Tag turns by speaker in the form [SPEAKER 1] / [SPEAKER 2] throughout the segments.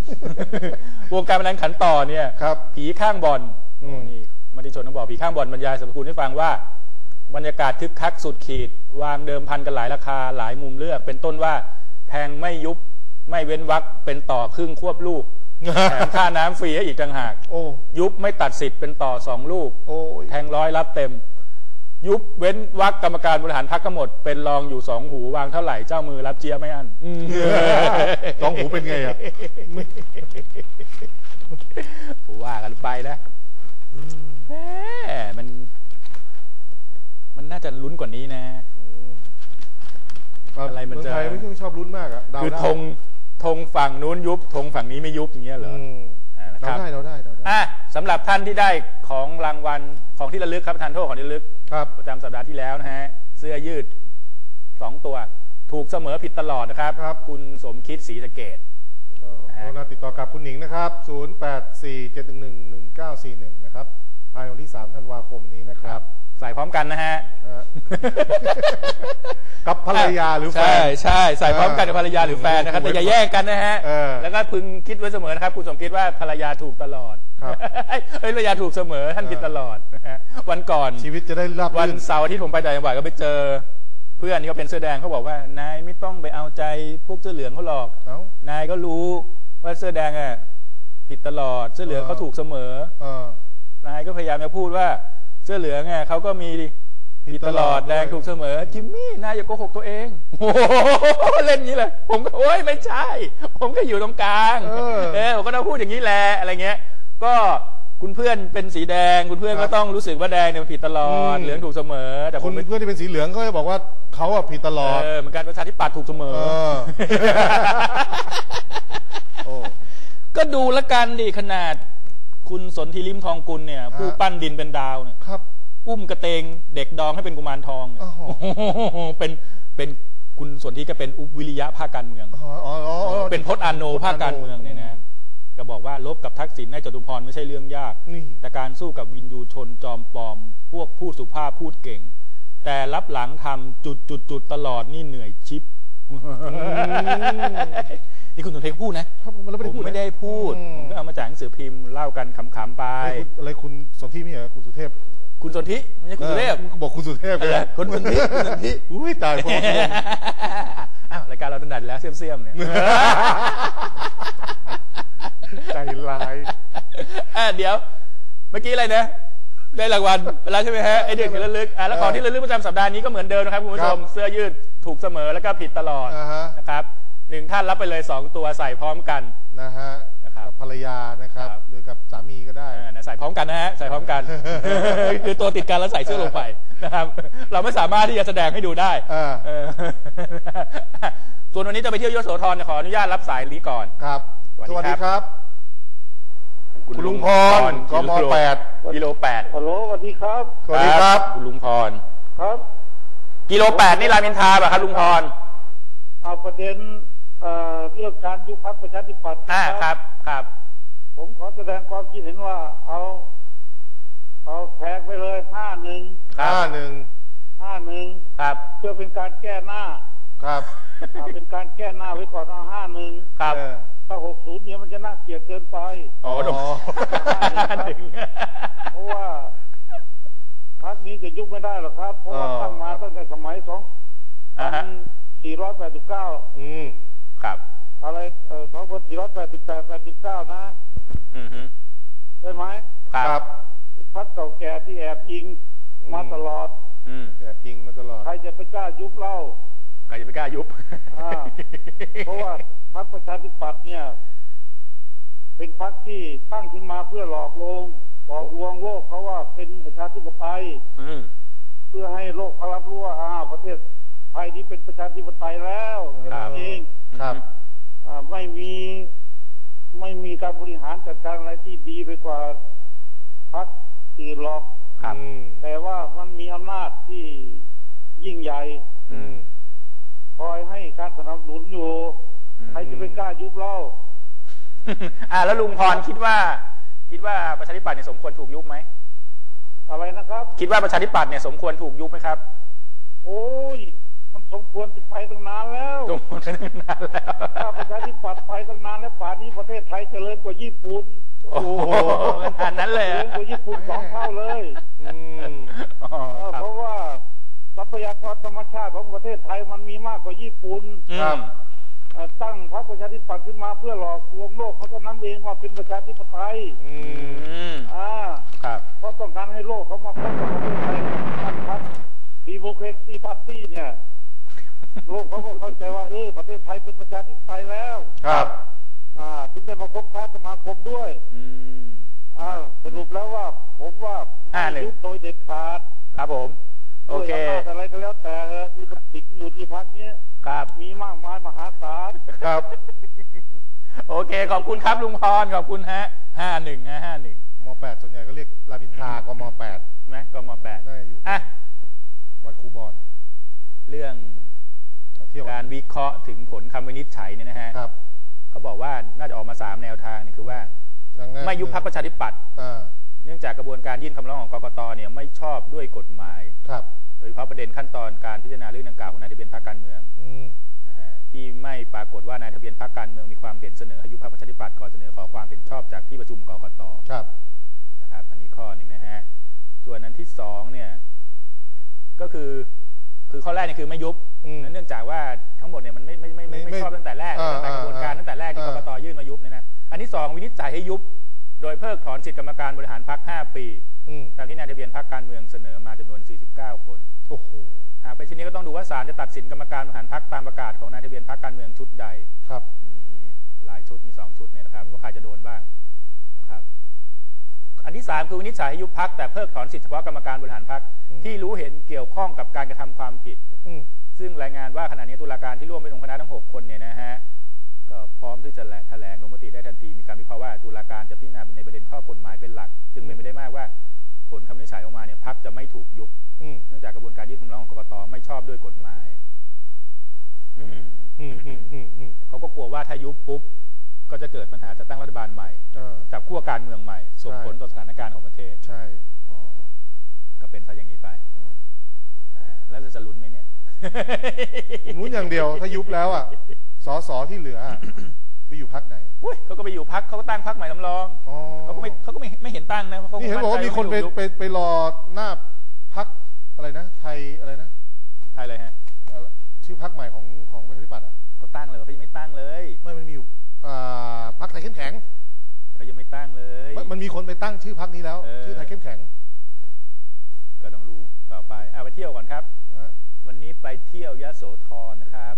[SPEAKER 1] วงการพนันขันต่อเนี่ยผีข้างบอลนี่มติชนต้องบอกผีข้างบอลบรรยายสรรพคุณให้ฟังว่าบรรยากาศคึกคักสุดขีดวางเดิมพันกันหลายราคาหลายมุมเลือกเป็นต้นว่าแทงไม่ยุบไม่เว้นวรรคเป็นต่อครึ่งควบลูกแถมค่าน้ำฟรีให้อีกต่างหากยุบไม่ตัดสิทธิ์เป็นต่อ2 ลูกแทง100รับเต็มยุบเว้นวรรคกรรมการบริหารพรรคก็หมดเป็นรองอยู่2 หูวางเท่าไหร่เจ้ามือรับเจี๊ยไม่อั้น
[SPEAKER 2] 2 หูเป็นไงอ่ะ
[SPEAKER 1] ว่ากันไปนะมันน่าจะลุ้นกว่านี้นะอะไรมันจะ
[SPEAKER 2] ไม่ชอบลุ้นมากอ่ะ
[SPEAKER 1] คือธงฝั่งนู้นยุบธงฝั่งนี้ไม่ยุบอย่างเงี้ยเหรอ
[SPEAKER 2] เราได้
[SPEAKER 1] สำหรับท่านที่ได้ของรางวัลของที่ระลึกครับทานโทษของที่ระลึกประจำสัปดาห์ที่แล้วนะฮะเสื้อยืด2 ตัวถูกเสมอผิดตลอดนะครับคุณสมคิดศรีสะเกษ
[SPEAKER 2] เราติดต่อกับคุณหนิงนะครับ0847111941นะครับภายในวันที่3 ธันวาคมนี้นะครับ
[SPEAKER 1] ใส่พร้อมกันนะฮะ
[SPEAKER 2] กับภรรยาหรือแฟน
[SPEAKER 1] ใช่ใส่พร้อมกันกับภรรยาหรือแฟนนะครับแต่อย่าแยกกันนะฮะแล้วก็พึงคิดไว้เสมอนะครับคุณสมคิดว่าภรรยาถูกตลอดภรรยาถูกเสมอท่านผิดตลอดวันก่อน
[SPEAKER 2] ชีวิตจะได้รับ
[SPEAKER 1] วันเสาร์ที่ผมไปต่างจังหวัดก็ไปเจอเพื่อนที่เขาเป็นเสื้อแดงเขาบอกว่านายไม่ต้องไปเอาใจพวกเสื้อเหลืองเขาหรอกนายก็รู้ว่าเสื้อแดงอ่ะผิดตลอดเสื้อเหลืองเขาถูกเสมอนายก็พยายามจะพูดว่าเสื้อเหลืองไงเขาก็มีผิดตลอดแดงถูกเสมอจิมมี่นายอย่าโกหกตัวเองโอ้เล่นอย่างนี้เลยผมก็โอ๊ยไม่ใช่ผมก็อยู่ตรงกลางผมก็ต้องพูดอย่างนี้แหละอะไรเงี้ยก็คุณเพื่อนเป็นสีแดงคุณเพื่อนก็ต้องรู้สึกว่าแดงเนี่ยมันผิดตลอดเหลืองถูกเสมอแต่
[SPEAKER 2] คุณเพื่อนที่เป็นสีเหลืองก็จะบอกว่าเขาอ่ะผิดตลอด
[SPEAKER 1] เหมือนกันประชาธิปัตย์ถูกเสมอก็ดูละกันดิขนาดคุณสนธิลิ้มทองกุลเนี่ยผู้ปั้นดินเป็นดาวเนี่ยอุ้มกระเตงเด็กดองให้เป็นกุมารทองเป็นคุณสนธิก็เป็นอุบวิริยะภาคการเมืองเป็นพจน์อาโนภาคการเมืองเนี่ยนะก็บอกว่าลบกับทักษิณในจตุพรไม่ใช่เรื่องยากแต่การสู้กับวินยูชนจอมปลอมพวกพูดสุภาพพูดเก่งแต่รับหลังทำจุดตลอดนี่เหนื่อยชิปนี่คุณสนธิพูดนะผมไม่ได้พูดผมก็เอามาจากหนังสือพิมพ์เล่ากันขำๆไป
[SPEAKER 2] อะไรคุณสนธิไม่เหรอคุณสุเทพ
[SPEAKER 1] คุณสนธิไม่ใช่คุณสุเทพ
[SPEAKER 2] บอกคุณสุเทพเลย
[SPEAKER 1] คุณสนธิ
[SPEAKER 2] อุ้ยตายพอ
[SPEAKER 1] อ้าวรายการเราถนัดแล้วเสี่ยมๆเนี่ย
[SPEAKER 2] ใจร้าย
[SPEAKER 1] เดี๋ยวเมื่อกี้อะไรนะได้รางวัลแล้วใช่ไหมฮะไอเด็กที่ระลึกแล้วของที่ระลึกประจำสัปดาห์นี้ก็เหมือนเดิมนะครับคุณผู้ชมเสื้อยืดถูกเสมอแล้วก็ผิดตลอดนะครับ1 ท่านรับไปเลย2 ตัวใส่พร้อมกัน
[SPEAKER 2] นะฮะกับภรรยานะครับหรือกับสามีก็ได้
[SPEAKER 1] ใส่พร้อมกันนะฮะใส่พร้อมกันคือตัวติดกันแล้วใส่เสื้อลงไปนะครับเราไม่สามารถที่จะแสดงให้ดูได้ส่วนวันนี้จะไปเที่ยวยโสธรขออนุญาตรับสายนี้ก่อน
[SPEAKER 2] ครับสวัสดีครับคุณลุงพรกม8
[SPEAKER 1] กิโล8
[SPEAKER 3] ฮัลโหลสวัสดีครับ
[SPEAKER 2] สวัสดีครับ
[SPEAKER 1] คุณลุงพร
[SPEAKER 3] ครับ
[SPEAKER 1] กิโล8นี่รามอินทราป่ะครับลุงพร
[SPEAKER 3] เอาประเด็นเรื่องการยุบพรรคประชาธิปัตย์
[SPEAKER 1] ครับ
[SPEAKER 3] ผมขอแสดงความคิดเห็นว่าเอาแทงไปเลย51
[SPEAKER 1] ครับ
[SPEAKER 3] เพื่อเป็นการแก้หน้า
[SPEAKER 2] ครับ
[SPEAKER 3] เป็นการแก้หน้าไว้ก่อนเอา51
[SPEAKER 1] ครับ
[SPEAKER 3] ถ้า60เนี่ยมันจะน่าเกลียดเกินไปเพราะว่าพรรคนี้จะยุบไม่ได้หรอกครับเพราะว่าตั้งมาตั้งแต่สมัย2489
[SPEAKER 1] ครับ
[SPEAKER 3] อะไร2488-89นะใช่ไหม
[SPEAKER 2] ครับ
[SPEAKER 3] พรรคเก่าแก่ที่แอบยิงมาตลอด
[SPEAKER 2] แอบยิงมาตลอด
[SPEAKER 3] ใครจะไปกล้ายุบเล่า
[SPEAKER 1] ใครจะไปกล้ายุบ
[SPEAKER 3] เพราะว่าพรรคประชาธิปัตย์เนี่ยเป็นพรรคที่ตั้งขึ้นมาเพื่อหลอกลวงโลกเขาว่าเป็นประชาธิปไตยเพื่อให้โลกเขารับรู้ว่าประเทศไทยนี้เป็นประชาธิปไตยแล้วเอง
[SPEAKER 2] ครับ
[SPEAKER 3] ไม่มีการบริหารจัดการอะไรที่ดีไปกว่าพรรคอื่นหรอกแต่ว่ามันมีอำนาจที่ยิ่งใหญ่คอยให้การสนับสนุนอยู่ใครจะไปกล้ายุบเล่า
[SPEAKER 1] แล้วลุงพรคิดว่าประชาธิปัตย์เนี่ยสมควรถูกยุบไหม
[SPEAKER 3] อะไรนะครับ
[SPEAKER 1] คิดว่าประชาธิปัตย์เนี่ยสมควรถูกยุบไหมครับ
[SPEAKER 3] โอ้ยมันสมควรจะไปตั้งนานแล้ว
[SPEAKER 1] สมควรไปตั้งนานแล้ว
[SPEAKER 3] ถ้าประชาธิปัตย์ไปตั้งนานแล้วป่านนี้ประเทศไทยเจริญกว่าญี่ปุ่น
[SPEAKER 1] โอ้โหขนาดนั้นเลย
[SPEAKER 3] เจริ
[SPEAKER 1] อะ
[SPEAKER 3] ญกว่าญี่ปุ่น2 เท่าเลยเพราะว่าทรัพยากรธรรมชาติของประเทศไทยมันมีมากกว่าญี่ปุ่น
[SPEAKER 1] ครับ
[SPEAKER 3] ตั้งพรรคประชาธิปัตย์ขึ้นมาเพื่อหลอกลวงโลกเขาเท่านั้นเองว่าเป็นประชาธิปไตย
[SPEAKER 1] ครับ
[SPEAKER 3] เพราะต้องการให้โลกเขามาพบกับประเทศไทยตั้งพรรคดีโมแครซีพาร์ตี้เนี่ยโลกเขาก็เข้าใจว่าประเทศไทยเป็นประชาธิปไตยแล้ว
[SPEAKER 2] ครับ
[SPEAKER 3] ถึงได้มาคบค้าสมาคมด้วยสรุปแล้วว่าผมว่าไม่ยุบโดยเด็ดขาด
[SPEAKER 1] ครับผมโอเค
[SPEAKER 3] อะไรก็แล้วแต่ที่มันติดอยู่ที่พักนี้
[SPEAKER 1] ครับ
[SPEAKER 3] มีมากมายมหาศาล
[SPEAKER 2] ครับ
[SPEAKER 1] โอเคขอบคุณครับลุงพรขอบคุณฮะ5151
[SPEAKER 2] ม.8ส่วนใหญ่ก็เรียกรามอินทรากม.8
[SPEAKER 1] ไหมกม.8
[SPEAKER 2] ได้อยู่วัดคูบอน
[SPEAKER 1] เรื่องการวิเคราะห์ถึงผลคำวินิจฉัยเนี่ยนะฮะเขาบอกว่าน่าจะออกมา3แนวทางนี่คือว่าไม่ยุบพรรคประชาธิปัตย์เนื่องจากกระบวนการยื่นคำร้องของกกต.เนี่ยไม่ชอบด้วยกฎหมายโดยเฉพาะประเด็นขั้นตอนการพิจารณาเรื่องดังกล่าวของนายทะเบียนพรรคการเมืองที่ไม่ปรากฏว่านายทะเบียนพรรคการเมืองมีความเห็นเสนอให้ยุบพรรคประชาธิปัตย์ก่อนเสนอขอความเห็นชอบจากที่ประชุมกกต.นะครับอันนี้ข้อหนึ่งนะฮะส่วนอันที่2เนี่ยก็คือข้อแรกนี่คือไม่ยุบเนื่องจากว่าทั้งหมดเนี่ยมันไม่ชอบตั้งแต่แรกตั้งแต่กระบวนการตั้งแต่แรกที่กกต.ยื่นมายุบเนี่ยนะอันที่2วินิจฉัยให้ยุบโดยเพิกถอนสิทธิกรรมการบริหารพรรค5 ปีตามที่นายทะเบียนพรรคการเมืองเสนอมาจำนวน49 คน
[SPEAKER 2] โอ้โห
[SPEAKER 1] หากเป็นเช่นนี้ก็ต้องดูว่าศาลจะตัดสินกรรมการบริหารพรรคตามประกาศของนายทะเบียนพรรคการเมืองชุดใด
[SPEAKER 2] ครับ
[SPEAKER 1] มีหลายชุดมี2ชุดเนี่ยนะครับว่าใครจะโดนบ้างนะครับอันที่3คือวินิจฉัยให้ยุบพรรคแต่เพิกถอนสิทธิเฉพาะกรรมการบริหารพรรคที่รู้เห็นเกี่ยวข้องกับการกระทำความผิดซึ่งรายงานว่าขณะนี้ตุลาการที่ร่วมเป็นองค์คณะทั้ง6 คนเนี่ยนะฮะก็พร้อมที่จะแถลงลงมติได้ทันทีมีการวิเคราะห์ว่าตุลาการจะพิจารณาในประเด็นข้อกฎหมายเป็นหลักจึงเป็นไปได้มากว่าผลคำวินิจฉัยออกมาเนี่ยพรรคจะไม่ถูกยุบเนื่องจากกระบวนการยื่นคำร้องของกกต.ไม่ชอบด้วยกฎหมายเขาก็กลัวว่าถ้ายุบปุ๊บก็จะเกิดปัญหาจะตั้งรัฐบาลใหม่จับขั้วการเมืองใหม่ส่งผลต่อสถานการณ์ของประเทศ
[SPEAKER 2] ใช่
[SPEAKER 1] ก็เป็นซะอย่างนี้ไปแล้วจะลุ้นไหมเนี่ย
[SPEAKER 2] ลุ้นอย่างเดียวถ้ายุบแล้วอ่ะสสที่เหลือไปอยู่พรรคไหน
[SPEAKER 1] เขาก็ไปอยู่พรรคเขาก็ตั้งพรรคใหม่สำรองเขาก็ไม่เห็นตั้งนะเพราะ
[SPEAKER 2] นี่เห็นบอกว่ามีคนไปรอหน้าพรรคอะไรนะไทยอะไรนะ
[SPEAKER 1] ไทยอะไรฮะ
[SPEAKER 2] ชื่อพรรคใหม่ของประชาธิปัตย์อ่ะ
[SPEAKER 1] เขาตั้งเลยเขายังไม่ตั้งเลย
[SPEAKER 2] มันมีอยู่พรรคไทยเข้มแข็ง
[SPEAKER 1] เขายังไม่ตั้งเลย
[SPEAKER 2] มันมีคนไปตั้งชื่อพรรคนี้แล้วชื่อไทยเข้มแข็ง
[SPEAKER 1] ก็ต้องรู้ต่อไปไปเที่ยวก่อนครับวันนี้ไปเที่ยวยโสธรนะครับ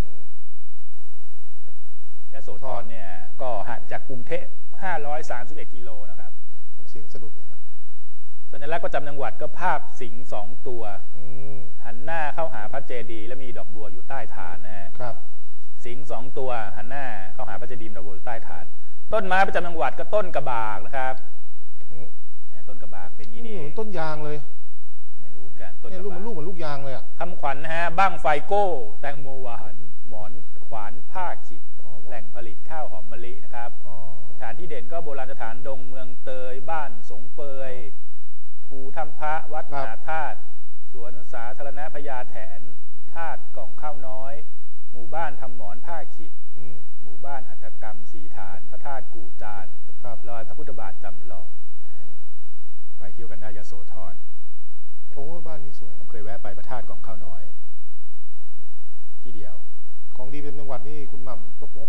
[SPEAKER 1] ยโสธรเนี่ยก็ห่างจากกรุงเทพ531 กิโลนะครับ
[SPEAKER 2] เสียงสะดุดเลยครับ
[SPEAKER 1] สัญลักษณ์ประจำจังหวัดก็ภาพสิงห์2 ตัวหันหน้าเข้าหาพระเจดีย์และมีดอกบัวอยู่ใต้ฐานนะฮะ
[SPEAKER 2] ครับ
[SPEAKER 1] สิงห์2 ตัวหันหน้าเข้าหาพระเจดีย์ดอกบัวอยู่ใต้ฐานต้นไม้ประจำจังหวัดก็ต้นกระบากนะครับต้นกระบากเป็นงี้นี่
[SPEAKER 2] ต้นยางเลย
[SPEAKER 1] ไม่รู้กันต้นกระบาก
[SPEAKER 2] ลูกเหมือนลูกยางเลยอ่ะ
[SPEAKER 1] คำขวัญนะฮะบั้งไฟโก้แตงโมหวานหมอนขวานผ้าขิดแหล่งผลิตข้าวหอมมะลินะครับสถานที่เด่นก็โบราณสถานดงเมืองเตยบ้านสงเปยภูถ้ำพระวัดมหาธาตุสวนสาธารณะพญาแถนธาตุกล่องข้าวน้อยหมู่บ้านทำหมอนผ้าขิดหมู่บ้านหัตถกรรมสีฐานพระธาตุกู่จานรอยพระพุทธบาทจำลองไปเที่ยวกันได้ยโสธร
[SPEAKER 2] โอ้บ้านนี้สวย
[SPEAKER 1] เคยแวะไปพระธาตุกล่องข้าวน้อยที่เดียว
[SPEAKER 2] ของดีเป็นจังหวัดนี่คุณหม่ำยกมก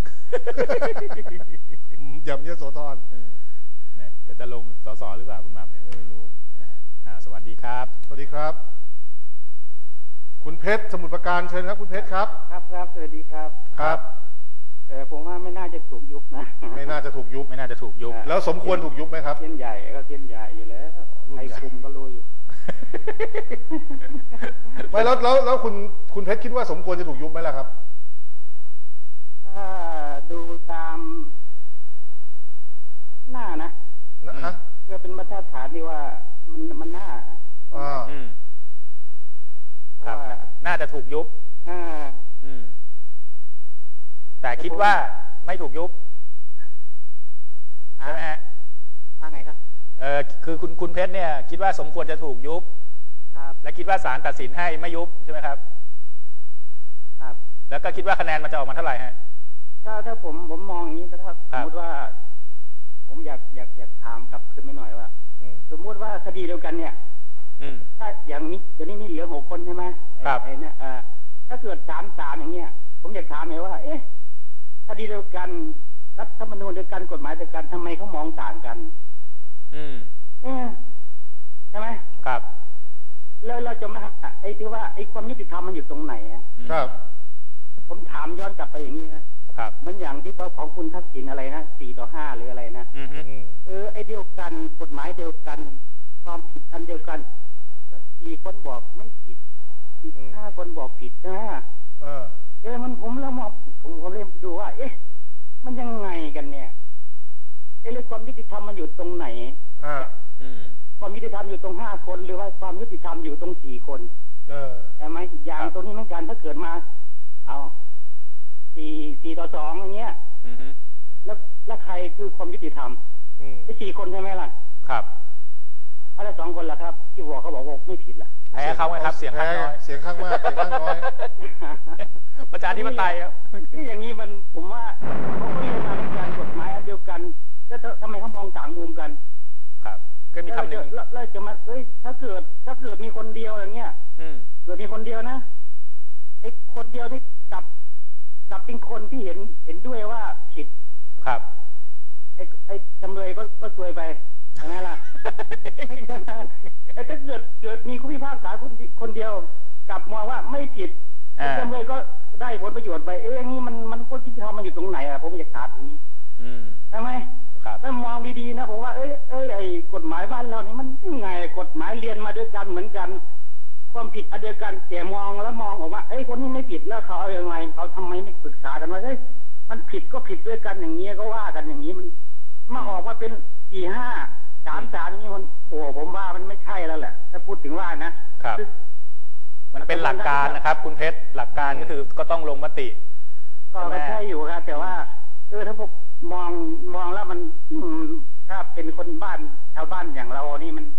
[SPEAKER 2] ยำยโสธร
[SPEAKER 1] เนี่ยก็จะลงสสหรือเปล่าคุณหม่ำเนี่ย
[SPEAKER 2] ไม่รู้
[SPEAKER 1] สวัสดีครับ
[SPEAKER 2] สวัสดีครับคุณเพชรสมุทรปราการเชิญครับคุณเพชรครับ
[SPEAKER 3] ครับสวัสดีครับ
[SPEAKER 2] ครับ
[SPEAKER 3] ผมว่าไม่น่าจะถูกยุบนะ
[SPEAKER 2] ไม่น่าจะถูกยุบแล้วสมควรถูกยุบไหมครับ
[SPEAKER 3] เส้นใหญ่ก็เส้นใหญ่อยู่แล้วใครคุมก็รู้อยู่
[SPEAKER 2] ไม่แล้วคุณเพชรคิดว่าสมควรจะถูกยุบไหมล่ะครับ
[SPEAKER 3] ถ้าดูตามหน้านะเพื่อเป็นมาตรฐานที่ว่ามันหน้า
[SPEAKER 1] ครับน่าจะถูกยุบแต่คิดว่าไม่ถูกยุบใช่ไหมฮะ
[SPEAKER 3] ว่าไงครับ
[SPEAKER 1] คือคุณเพชรเนี่ยคิดว่าสมควรจะถูกยุบและคิดว่าศาลตัดสินให้ไม่ยุบใช่ไหมครับแล้วก็คิดว่าคะแนนมันจะออกมาเท่าไหร่ฮะ
[SPEAKER 4] ถ้าผมมองอย่างนี้ถ้าสมมติว่าผมอยากถามกลับขึ้นไม่หน่อยว่าสมมติว่าคดีเดียวกันเนี่ยถ้าอย่างนี้เดี๋ยวนี้มีเหลือ6 คนใช่ไหม
[SPEAKER 1] ครับ
[SPEAKER 4] ไอ้เนี่ยถ้าเกิด3-3อย่างเงี้ยผมอยากถามเลยว่าคดีเดียวกันรัฐธรรมนูญเดียวกันกฎหมายเดียวกันทำไมเขามองต่างกันใช่ไหม
[SPEAKER 1] ครับ
[SPEAKER 4] แล้วเราจะมาไอ้ที่ว่าไอ้ความยุติธรรมมันอยู่ตรงไหน
[SPEAKER 2] ครับ
[SPEAKER 4] ผมถามย้อนกลับไปอย่างนี้นะครับมันอย่างที่ว่าของคุณทักษิณอะไรนะ4-5หรืออะไรนะไอ้เดียวกันกฎหมายเดียวกันความผิดอันเดียวกัน4 คนบอกไม่ผิดอีก5 คนบอกผิดใช่ไหมมันผมแล้วผมเริ่มดูว่ามันยังไงกันเนี่ยเรื่องความยุติธรรมมันอยู่ตรงไหนความยุติธรรมอยู่ตรง5 คนหรือว่าความยุติธรรมอยู่ตรง4 คนใช่ไหมอย่างตรงนี้เหมือนกันถ้าเกิดมาเอา4-2อย่างเงี้ยแล้วใครคือความยุติธรรมไอ้4 คนใช่ไหมล่ะ
[SPEAKER 1] ครับ
[SPEAKER 4] อะไร2 คนล่ะครับที่บอกเขาบอกว่าไม่ผิดล่ะ
[SPEAKER 1] แพ้เขาไงครับเสียงข้างน้อย
[SPEAKER 2] เสียงข้างมากเสียงข้างน้อย
[SPEAKER 1] ประชาธิปไตยครับ
[SPEAKER 4] นี่อย่างนี้มันผมว่าเขาเรียนมาในการกฎหมายอันเดียวกันแล้วทำไมเขามองต่างมุมกัน
[SPEAKER 1] ครับก็มีคำหนึ่ง
[SPEAKER 4] แล้วจะมาถ้าเกิดมีคนเดียวอย่างเงี้ยเกิดมีคนเดียวนะไอ้คนเดียวที่กลับเป็นคนที่เห็นด้วยว่าผิด
[SPEAKER 1] ครับ
[SPEAKER 4] ไอ้จำเลยก็ซวยไปใช่ไหมล่ะถ้าเกิดมีผู้พิพากษาคนเดียวกลับมองว่าไม่ผิดจำเลยก็ได้ผลประโยชน์ไปอย่างนี้มันก็ที่ทำมันอยู่ตรงไหนผมอยากถามอย่างนี้ใช่ไหมถ้ามองดีๆนะผมว่าไอ้กฎหมายบ้านเรานี่มันยังไงกฎหมายเรียนมาด้วยกันเหมือนกันความผิดอันเดียวกันแต่มองแล้วมองออกว่าคนนี้ไม่ผิดแล้วเขาเอาอย่างไรเขาทำไมไม่ปรึกษากันว่ามันผิดก็ผิดด้วยกันอย่างนี้ก็ว่ากันอย่างนี้มันมาออกมาเป็น4-5-3-3นี่มันผมว่ามันไม่ใช่แล้วแหละถ้าพูดถึงว่านะครับ
[SPEAKER 1] มันเป็นหลักการนะครับคุณเพชรหลักการก็คือก็ต้องลงมติ
[SPEAKER 4] ก็ใช่อยู่ครับแต่ว่าถ้าพวกมองแล้วมันถ้าเป็นคนบ้านชาวบ้านอย่างเรานี่มัน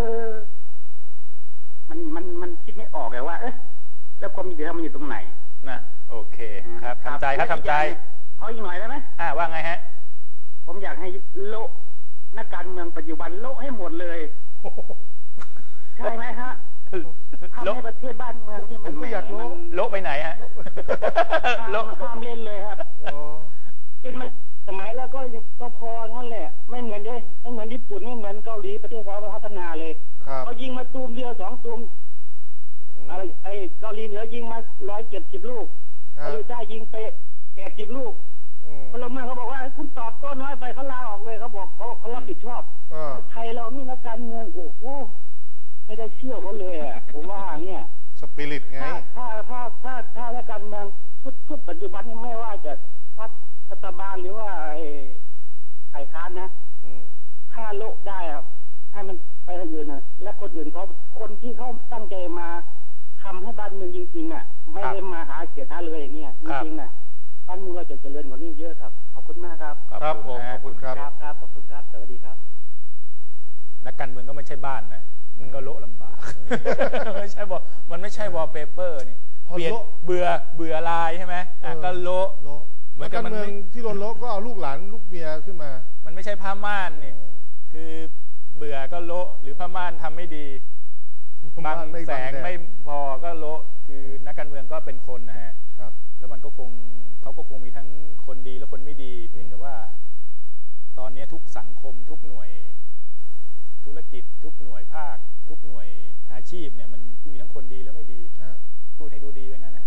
[SPEAKER 4] มันคิดไม่ออกเลยว่าแล้วความยุติธรรมมันอยู่ตรงไหน
[SPEAKER 1] นะโอเคครับทำใจครับทำใจ
[SPEAKER 4] เขาอีกหน่อยได้ไหม
[SPEAKER 1] ว่าไงฮะ
[SPEAKER 4] ผมอยากให้โลกนักการเมืองปัจจุบันโลกให้หมดเลยใช่ไหมฮะทำให้ประเทศบ้านเมืองนี่มัน
[SPEAKER 2] ไม่อยาก
[SPEAKER 1] โลกไปไหนฮะ
[SPEAKER 4] โลกห้ามเล่นเลยครับกินมาสมัยแล้วก็พองั้นแหละไม่เหมือนญี่ปุ่นไม่เหมือนเกาหลีประเทศเขาพัฒนาเลยเขายิงมาตูมเดียว2 ตูมไอ้เกาหลีเหนือยิงมา170 ลูกเกาหลีใต้ยิงไป80 ลูกพลเมืองเขาบอกว่าคุณตอบโต้น้อยไปเขาลาออกเลยเขาบอกเขารับผิดชอบไทยเรานี่นักการเมืองโอ้โหไม่ได้เชื่อเขาเลยผมว่าเนี่ย
[SPEAKER 2] สปิริตไง
[SPEAKER 4] ถ้านักการเมืองชุดปัจจุบันนี้ไม่ว่าจะรัฐบาลหรือว่าฝ่ายค้านนะถ้าโลกได้ครับให้มันไปทางอื่นนะและคนอื่นคนที่เขาตั้งใจมาทำให้บ้านเมืองจริงๆไม่ได้มาหาเสียท่าเลยอย่างเงี้ยจริงๆบ้านเมืองเราจะเจริญกว่านี้เยอะครับขอบคุณมากครับ
[SPEAKER 2] ครับผมขอบคุณครับ
[SPEAKER 4] ครับขอบคุณครับสวัสดีครับ
[SPEAKER 1] นักการเมืองก็ไม่ใช่บ้านนะมันก็โละลำบากไม่ใช่มันไม่ใช่วอลเปเปอร์นี่เปลี่ยนเบื่อลายใช่ไหมก็โละ
[SPEAKER 2] เหมือนการเมืองที่โดนโละก็เอาลูกหลานลูกเมียขึ้นมา
[SPEAKER 1] มันไม่ใช่ผ้าม่านนี่คือเบื่อก็โละหรือผ้าม่านทำไม่ดีบังแสงไม่พอก็โละคือนักการเมืองก็เป็นคนนะฮะแล้วมันก็เขาก็คงมีทั้งคนดีและคนไม่ดีเพียงแต่ว่าตอนนี้ทุกสังคมทุกหน่วยธุรกิจทุกหน่วยภาคทุกหน่วยอาชีพเนี่ยมันมีทั้งคนดีและไม่ดีพูดให้ดูดีไปงั้นนะ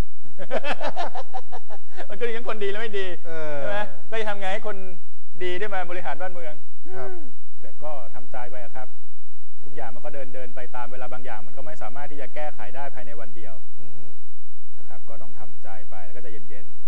[SPEAKER 1] มันก็มีทั้งคนดีและไม่ดีใช่ไหมก็จะทำไงให้คนดีได้มาบริหารบ้านเมืองแต่ก็ทำใจไปครับทุกอย่างมันก็เดินไปตามเวลาบางอย่างมันก็ไม่สามารถที่จะแก้ไขได้ภายในวันเดียวนะครับก็ต้องทำใจไปแล้วก็จะเย็นๆ